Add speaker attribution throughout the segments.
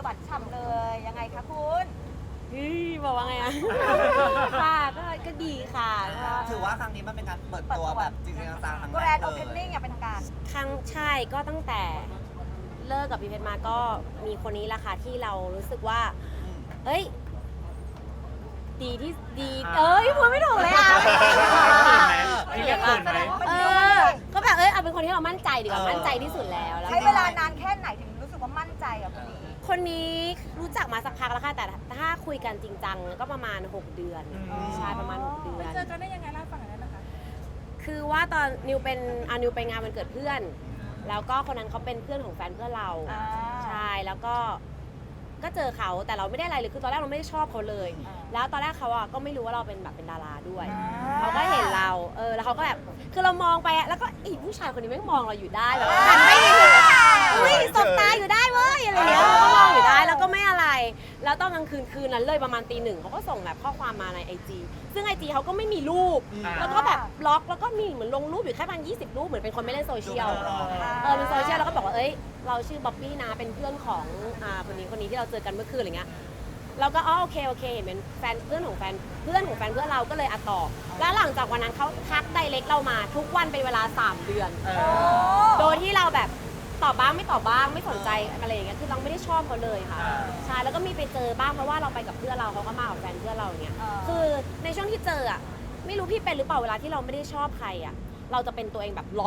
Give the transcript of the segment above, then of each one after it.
Speaker 1: หวานฉ่ำเลยยังไงคะคุณ
Speaker 2: บอกว่าไงอะ ค่ะก็ดีค่ะก็
Speaker 3: ถือว่าครั้งนี้มันเป็นการเปิดตัวแบบจริงๆจังๆครั้ง
Speaker 1: แกร
Speaker 3: แร
Speaker 1: น
Speaker 3: ก
Speaker 1: ด์โอ
Speaker 3: เล
Speaker 1: เพนนิ่ง
Speaker 3: ย
Speaker 1: อย่างเป็นทางการ
Speaker 2: ใช่ก็ตั้งแต่เลิกกับพี่เพชรมาก็มีคนนี้แหละค่ะที่เรารู้สึกว่า เอ้ย ดีที่ดีพูดไม่ถูกเลยอ่ะ
Speaker 4: พี่เรียกเขินไหม
Speaker 2: ก็แบบเอาเป็นคนที่เรามั่นใจดีกว่ามั่นใจที่สุดแล้ว
Speaker 1: ใช้เวลานานแค่ไหนถึงรู้สึกว่ามั่นใจกับคนนี้
Speaker 2: คนนี้รู้จักมาสักพักแล้วค่ะแต่ถ้าคุยกันจริงจังก็ประมาณ6 เดือนใช่ประมาณ6 เดือน
Speaker 5: เจอกันได้ยังไงเล่าให้ฟังหน่อยได้ไหมคะ
Speaker 2: คือว่าตอนนิวไปงานวันเกิดเพื่อน แล้วก็คนนั้นเขาเป็นเพื่อนของแฟนเพื่อนเราใช่แล้วก็เจอเขาแต่เราไม่ได้อะไรเลยคือตอนแรกเราไม่ได้ชอบเขาเลย แล้วตอนแรกเขาก็ไม่รู้ว่าเราเป็นแบบเป็นดาราด้วยเขาก็เห็นเราแล้วเขาก็แบบคือเรามองไปแล้วก็อีผู้ชายคนนี้ไม่มองเราอยู่ได้แบบหันไม่สบตาอยู่ได้เว้ยอะไรเงี้ยเราก็มองอยู่ได้แล้วก็ไม่อะไร แล้วตอนกลางคืนนั้นเลยประมาณตี 1เขาก็ส่งแบบข้อความมาใน IG ซึ่ง IG เขาก็ไม่มีรูปแล้วก็แบบบล็อกแล้วก็มีเหมือนลงรูปอยู่แค่ประมาณ20 รูปเหมือนเป็นคนไม่เล่นโซเชียลเป็นโซเชียลแล้วก็บอกว่าเอ้ยเราชื่อบ๊อบบี้นะเป็นเพื่อนของคนนี้ที่เราเจอกันเมื่อคืนอะไรเงี้ยเราก็โอเคเห็นเป็นแฟนเพื่อนของแฟนเพื่อนเราก็เลยตอบแล้วหลังจากวันนั้นเขาทักไดเรกเรามาทุกวันเป็นเวลา3 เดือนโดยที่เราแบบตอบบ้างไม่ตอบบ้างไม่สนใจอะไรอย่างเงี้ยคือเราไม่ได้ชอบเขาเลยค่ะใช่แล้วก็มีไปเจอบ้างเพราะว่าเราไปกับเพื่อนเราเขาก็มากับแฟนเพื่อนเราอย่างเงี้ยคือในช่วงที่เจอไม่รู้พี่เป็นหรือเปล่าเวลาที่เราไม่ได้ชอบใครเราจะเป็นตัวเองแบบ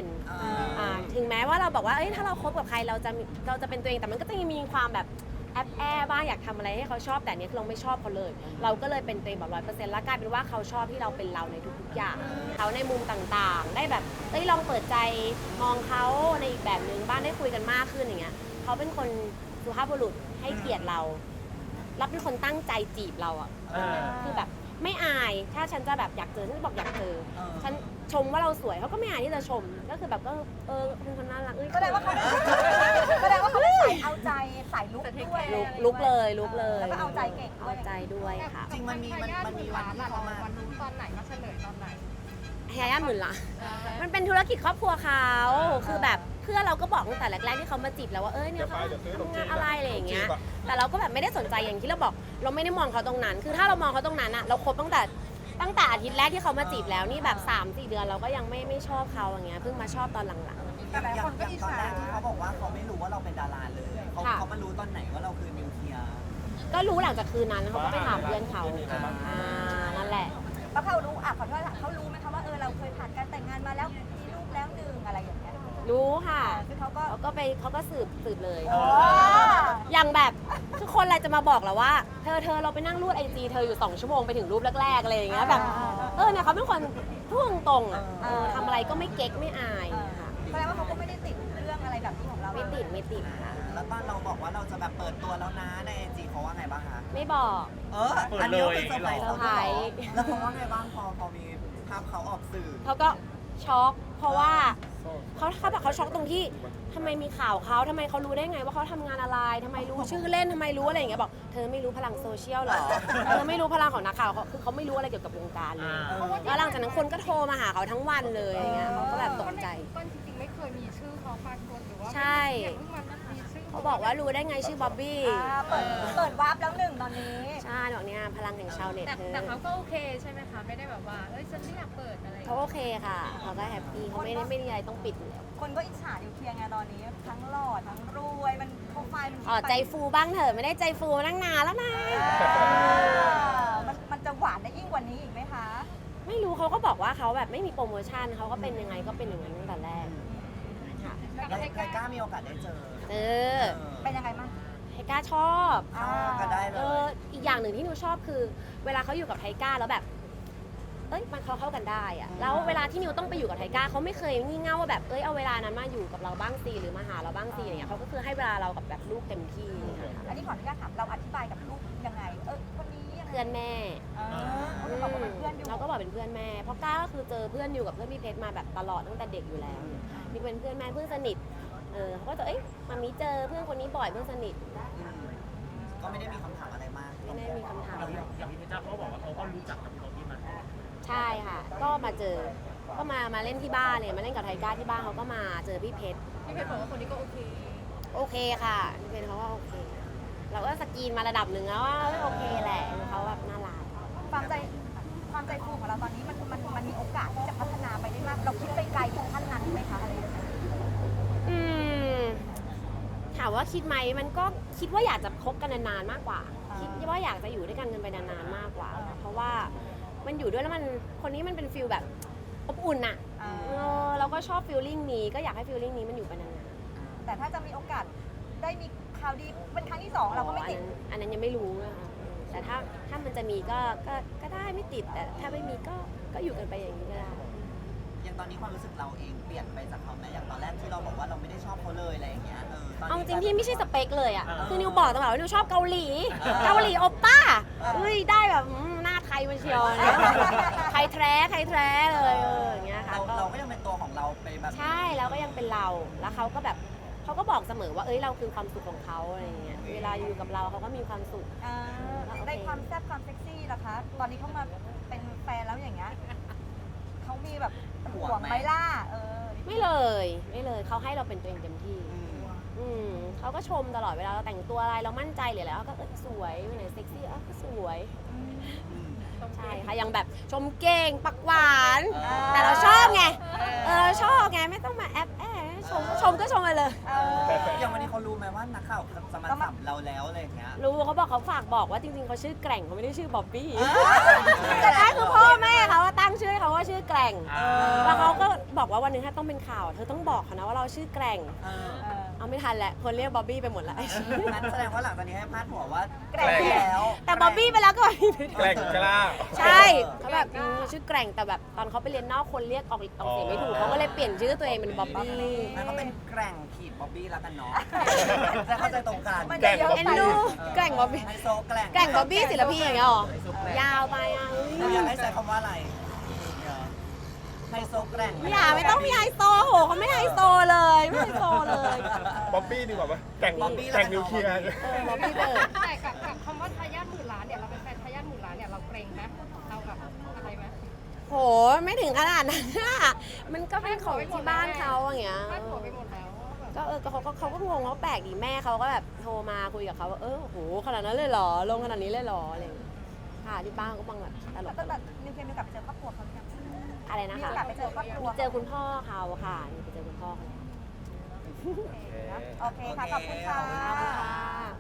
Speaker 2: 100%ถึงแม้ว่าเราบอกว่าเอ้ยถ้าเราคบกับใครเราจะเป็นตัวเองแต่มันก็จะยังมีความแบบแอบบ้างอยากทำอะไรให้เขาชอบแต่เนี้ยคือเราไม่ชอบเขาเลย เราก็เลยเป็นตัวเองแบบ100%แล้วกลายเป็นว่าเขาชอบที่เราเป็นเราในทุกๆอย่างเขาในมุมต่างๆได้แบบลองเปิดใจมองเขาในอีกแบบนึงบ้างได้คุยกันมากขึ้นอย่างเงี้ยเขาเป็นคนสุภาพบุรุษให้เกียรติเรารับเป็นคนตั้งใจจีบเราคือแบบไม่อายถ้าฉันจะแบบอยากเจอฉันบอกอยากเจอฉันชมว่าเราสวยเขาก็ไม่อายที่จะชมก็คือแบบก็เป็นคนน่ารัก
Speaker 1: แสดงว่าเขาเป็นสายเอาใจสายลุกด้วย
Speaker 2: ลุกเลย
Speaker 1: แล้วก็เอาใจเก่ง
Speaker 2: เอาใจด้วยค่ะ
Speaker 3: จริงมันมีวันที่เขามา
Speaker 5: วันรู้ตอนไหนก็เฉลยตอนไหน
Speaker 2: แฮย่าหมื่นละมันเป็นธุรกิจครอบครัวเขาคือแบบเพื่อนเราก็บอกตั้งแต่แรกๆที่เขามาจีบเราว่าเนี่ยเขาทำงานอะไรอะไรอย่างเงี้ยแต่เราก็แบบไม่ได้สนใจอย่างที่เราบอกเราไม่ได้มองเขาตรงนั้นคือถ้าเรามองเขาตรงนั้นเราคบตั้งแต่อาทิตย์แรกที่เขามาจีบแล้วนี่แบบ3-4 เดือนเราก็ยังไม่ชอบเขาอย่างเงี้ยเพิ่งมาชอบตอนหลัง
Speaker 3: อย่างตอนแรกที่เขาบอกว่าเขาไม่รู้ว่าเราเป็นดาราเลยเขามารู้ตอนไหนว่าเราคือนิวเคลียร์
Speaker 2: ๆก็รู้หลังจากคืนนั้นเขาก็ไปถามเพื่อนเขานั่นแหละ
Speaker 1: แล้วเขารู้ขอโทษเขารู้ไหมคะว่าเราเคยผ่านการแต่งงานมาแล้วมีลูกแล้วหนึ่งอะไรอย่างเงี้ย
Speaker 2: รู้ค่ะ
Speaker 1: คือเขาก็
Speaker 2: สืบเลยอย่างแบบคือคนอะไรจะมาบอกเราว่าเธอเราไปนั่งรูดIGเธออยู่2 ชั่วโมงไปถึงรูปแรกๆอะไรอย่างเงี้ยแบบเนี่ยเขาเป็นคนพูดตรงๆทำอะไรก็ไม่เก๊กไม่อายค่ะ
Speaker 1: แสดงว่าเขาก็ไม่ได้ติดเรื่องอะไรแบบนี้ของเรา
Speaker 2: ไม่ติดค่ะ
Speaker 3: แล้วตอนเราบอกว่าเราจะแบบเปิดตัวแล้วนะในไอจีเขาว่าไงบ้างคะ
Speaker 2: ไม่บอก
Speaker 3: อันนี้เป็นเซอร์ไพรส์
Speaker 2: เซอร์ไพรส์
Speaker 3: แล้วเขาว่าไงบ้างพอมีภาพเขาออกสื่อ
Speaker 2: เขาก็ช็อกเพราะว่าเขาบอกเขาช็อกตรงที่ทำไมมีข่าวเขาทำไมเขารู้ได้ไงว่าเขาทำงานอะไรทำไมรู้ชื่อเล่นทำไมรู้อะไรอย่างเงี้ยบอกเธอไม่รู้พลังโซเชียลหรอเธอไม่รู้พลังของนักข่าวคือเขาไม่รู้อะไรเกี่ยวกับวงการเลยแล้วหลังจากนั้นคนก็โทรมาหาเขาทั้งวันเลยอย่างเงี้ยเขาก็แบบตกใจ
Speaker 5: ต้นจริงๆไม่เคยมีชื่อเขาปรากฏหรือว่า
Speaker 2: ใช่
Speaker 5: อย่างเพิ่งมามีชื่อ
Speaker 2: เขาบอกว่ารู้ได้ไงชื่อบ๊อบบี้
Speaker 1: เปิดวาร์ปแล้วหนึ่งตอนนี้
Speaker 2: ใช่บอกเนี่ยพลังแห่งชาวเน็ตเธอ
Speaker 5: แต่เขาก็โอเคใช่ไหมคะไม่ได้แบบว่าฉันไม่อยากเปิดอะไร
Speaker 2: เขาโอเคค่ะเขาก็แฮปปี้เขาไม่มีอะไรต้องปิดอยู่แล้ว
Speaker 1: คนก็อิจฉานิวเคลียร์ไงตอนนี้ทั้งหล่อทั้งรวยมันโปรไฟล์มัน
Speaker 2: ใจฟูบ้างเถอะไม่ได้ใจฟูตั้งนานแล้วนะ
Speaker 1: มันจะหวานได้ยิ่งกว่านี้อีกไหมคะ
Speaker 2: ไม่รู้เขาก็บอกว่าเขาแบบไม่มีโปรโมชั่นเขาก็เป็นยังไงก็เป็นอย่างนั้นตั้งแต่แรกค่ะ
Speaker 3: แล้วไทก้ามีโอกาสได้เจอ
Speaker 1: เป็นยังไงบ้าง
Speaker 2: ไทก้าชอบ
Speaker 3: ก็ได้เลย
Speaker 2: อีกอย่างหนึ่งที่หนูชอบคือ เวลาเขาอยู่กับไทก้าแล้วแบบมันเข้ากันได้อะแล้วเวลาที่นิวต้องไปอยู่กับไทก้าเขาไม่เคยงี่เง่าว่าแบบเอาเวลานั้นมาอยู่กับเราบ้างสิหรือมาหาเราบ้างสิอย่างเงี้ยเขาก็คือให้เวลาเรากับแบบลูกเต็มที่ค่ะ
Speaker 1: อันนี้ขออนุญาตถามเราอธิบายกับลูกยังไงคนนี้ยังไง
Speaker 2: เพื่อนแม่
Speaker 1: เขาบอกว่าเป็นเพื่อนอยู่
Speaker 2: เราก็บอกเป็นเพื่อนแม่เพราะก้าก็คือเจอเพื่อนอยู่กับเพื่อนพี่เพชรมาแบบตลอดตั้งแต่เด็กอยู่แล้วนี่เป็นเพื่อนแม่เพื่อนสนิทเขาก็จะมามีเจอเพื่อนคนนี้บ่อยเพื่อนสนิท
Speaker 3: ก็ไม่ได้มีคำถามอะไรมาก
Speaker 2: ไม่ได้มีคำถาม
Speaker 4: อย่างพี่เพชรจ้าเขาบอกว่าเขาก็รู้จักกับพี่บ๊อบบี้มา
Speaker 2: ใช่ค่ะ ก็มาเจอก็มาเล่นที่บ้านเลยมาเล่นกับไทก้าที่บ้านเขาก็มาเจอพี่เพชร
Speaker 5: พี่เพชรบอกว่าคนนี้ก็โอเค
Speaker 2: โอเคค่ะพี่เพชรเขาว่าโอเคจีนมาระดับหนึ่งแล้วว่าโอเคแหละเขาแบบน่ารัก
Speaker 1: ความใจฟูของเราตอนนี้มันมีโอกาสที่จะพัฒนาไปได้มาก เราคิดไปไกลถึงขั้นนั้นไหมคะอะไรอย่างเงี้ย
Speaker 2: อืมถามว่าคิดไหมมันก็คิดว่าอยากจะคบกันนานๆมากกว่า คิดว่าอยากจะอยู่ด้วยกันไปนานๆมากกว่า เพราะว่ามันอยู่ด้วยแล้วมันคนนี้มันเป็นฟิลแบบอบอุ่นอะเราก็ชอบฟิลลิ่งนี้ก็อยากให้ฟิลลิ่งนี้มันอยู่ไปนานๆ
Speaker 1: แต่ถ้าจะมีโอกาสได้มีข่าวดีเป็นครั้งที่ 2เราก็ไม่ติด
Speaker 2: อันนั้นยังไม่รู้นะคะแต่ถ้ามันจะมีก็ได้ไม่ติดแต่ถ้าไม่มีก็อยู่กันไปอย่างนี้ก็ได้
Speaker 3: อย่างตอนนี้ความรู้สึกเราเองเปลี่ยนไปจากเขาไหมอย่างตอนแรกที่เราบอกว่าเราไม่ได้ชอบเขาเลยอะไรอย่างเงี้ยตอน
Speaker 2: เอา
Speaker 3: นี้
Speaker 2: จริงพี่ไม่ใช่สเปคเลยอ่ะคือนิวบอกตลอดว่านิวชอบเกาหลีเกาหลีโอป้าเฮ้ยได้แบบหน้าไทยมาเชียวไทยแท้เลยอย่างเงี้ยค่ะ
Speaker 3: เราก็ยังเป็นตัวของเราไปแบบ
Speaker 2: ใช่แล้วก็ยังเป็นเราแล้วเขาก็แบบเขาก็บอกเสมอว่าเราคือความสุขของเขาอะไรอย่างเงี้ยเวลาอยู่กับเราเขาก็มีความสุข
Speaker 1: ได้ความแซ่บความเซ็กซี่ล่ะคะ ตอนนี้เขามาเป็นแฟนแล้วอย่างเงี้ยเขามีแบบห่วงไหมล่ะ
Speaker 2: ไม่เลยเขาให้เราเป็นตัวเองเต็มที่ เขาก็ชมตลอดเวลาเราแต่งตัวอะไรเรามั่นใจเลยแล้วก็สวยวันไหนเซ็กซี่ก็สวยใช่ค่ะยังแบบชมเก่งปักหวานแต่เราชอบไงเราชอบไงไม่ต้องมาแอบชมก็ชมไปเลย
Speaker 3: อย่างวันนี้เขารู้ไหมว่านักข่าวจะมาสัมเราแล้วอะไรอย่างเงี้ย
Speaker 2: รู้เขาบอกเขาฝากบอกว่าจริงๆเขาชื่อแกร่งเขาไม่ได้ชื่อบ๊อบบี้แต่ท้ายคือพ่อแม่เขาว่าตั้งชื่อให้เขาว่าชื่อแกร่งแล้วเขาก็บอกว่าวันหนึงถ้าต้องเป็นข่าวเธอต้องบอกเขานะว่าเราชื่อแกร่งเอาไม่ทันแหละคนเรียกบ๊อบบี้ไปหมดแล้ว
Speaker 3: งั้นแสดงว่าหลังจากนี้ให้พาดหัวว่า
Speaker 1: แกร่งแล้ว
Speaker 2: แต่บ๊อบบี้ไปแล้วก็
Speaker 6: แกล้งกล้า
Speaker 2: ใช่เขาแบบชื่อแกร่งแต่แบบตอนเขาไปเรียนนอกคนเรียกออกเสียงไม่ถูกเขาก็เลยเปลี่ยนชื่อตัวเองเป็นบ๊อบบี้
Speaker 3: มันก็เป็นแกร่งขีดบ๊อบบี้แล้วกันเนาะจะเข้าใจตรงกัน
Speaker 1: มันจะเยอะ
Speaker 2: เอ็น
Speaker 1: ไป
Speaker 2: ดูแกร่งบ๊อบบี้
Speaker 3: ไฮโซแกร่ง
Speaker 2: แกร่งบ๊อบบี้ศิลปินอย่างเงี้ยหรอยาวไปอ่ะ
Speaker 3: เราอยากให้ใช้คำว่าอะไรไฮโซแกร่ง
Speaker 2: ไม่ต้องมีไฮโซโหเขาไม่ไฮโซเลยไม่ไฮโซเลย
Speaker 6: บ๊อบบี้ดีกว่าไหมแต่งนิวเคลียร์
Speaker 2: บ๊อบบี้เลย
Speaker 5: แต่กับคำว่าทายาทหมื่นล้านเนี่ยเราเป็นแฟนทายาทหมื่นล้านเนี่ยเราเกรงไหมเราแบบอะไรไหม
Speaker 2: โหไม่ถึงขนาดนั้นอะมันก็เป็นของที่บ้านเขาอย่างเงี้ย
Speaker 5: พาดหัวไปหมดแล้วว่าแบบ
Speaker 2: ก็เขาก็งงเขาแปลกดีแม่เขาก็แบบโทรมาคุยกับเขาว่าโหขนาดนั้นเลยเหรอลงขนาดนี้เลยเหรออะไรอย่างเงี้ยค่ะที่บ้านก็บังแบบตลก
Speaker 1: แต่นิวเคลียร์มีโอกาสไปเจอครอบครัวเขาหรือยัง
Speaker 2: อะไรนะ
Speaker 1: มี
Speaker 2: คะ
Speaker 1: โอกาสไปเจอครอบครัว
Speaker 2: เจอคุณพ่อเขาค่ะไปเจอคุณพ่อเขา
Speaker 1: โอเคค่ะ ขอบคุณค่ะ
Speaker 2: ขอบคุณค่ะ